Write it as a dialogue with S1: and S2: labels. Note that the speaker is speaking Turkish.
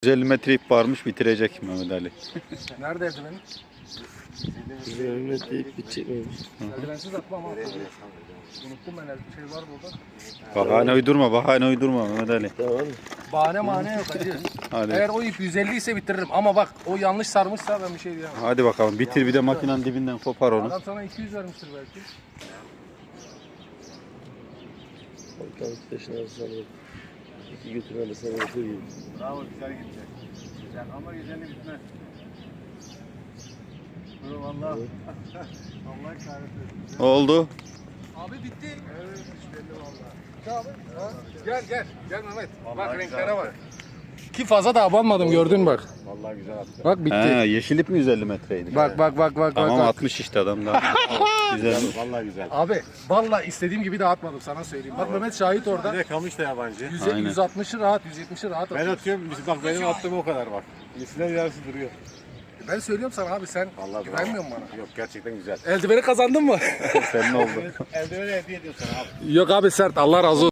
S1: 150 metre ip varmış, bitirecek Mehmet Ali.
S2: Nerede eldivenin?
S3: 150 metre ip bitecekmiş.
S2: Eldivensiz atma ama. Unuttum ben şey var burada.
S1: Bahane uydurma Mehmet Ali.
S3: Tamam.
S2: Bahane mane yok hacı.
S1: Hadi.
S2: Eğer o ip 150 ise bitiririm ama bak o yanlış sarmışsa ben bir şey diyemem.
S1: Hadi bakalım bitir, bir de makinenin dibinden kopar onu.
S2: Adam sana 200 vermiştir belki.
S3: Bakalım peşine alırsan iki götürme de sana götür gibi.
S4: Bravo, güzel gidecek. Güzel ama güzeli bitmez. Dur valla. Allah kahretsin.
S1: Oldu.
S2: Abi bitti.
S4: Evet, hiç belli valla.
S2: Abi, ha? Gel Mehmet.
S4: Vallahi
S2: Bak
S4: güzel
S2: renklere bak.
S4: attı.
S2: Ki fazla da abanmadım gördün bak.
S4: Vallahi güzel attı.
S2: Bak bitti.
S1: He, yeşil ip mi 150 metreydi?
S2: Bak.
S1: Tamam,
S2: bak.
S1: 60 işte adam da. Güzel.
S4: Vallahi güzel.
S2: Abi vallahi istediğim gibi de atmadım sana söyleyeyim. Bak Mehmet şahit
S4: Bir
S2: orada.
S4: de kamış da yabancı.
S1: Aynen.
S2: 160'ı rahat, 170'i rahat
S4: Ben
S2: atıyor.
S4: atıyorum, bak benim attığım o kadar bak. Misler yarısı duruyor.
S2: Ben söylüyorum sana abi sen
S4: Vallahi
S2: güvenmiyor musun bana?
S4: Yok, gerçekten güzel.
S2: Eldiveni kazandın mı?
S1: Senin oldu.
S4: Eldiveni hediye ediyorsun abi.
S2: Yok abi sert Allah razı olsun.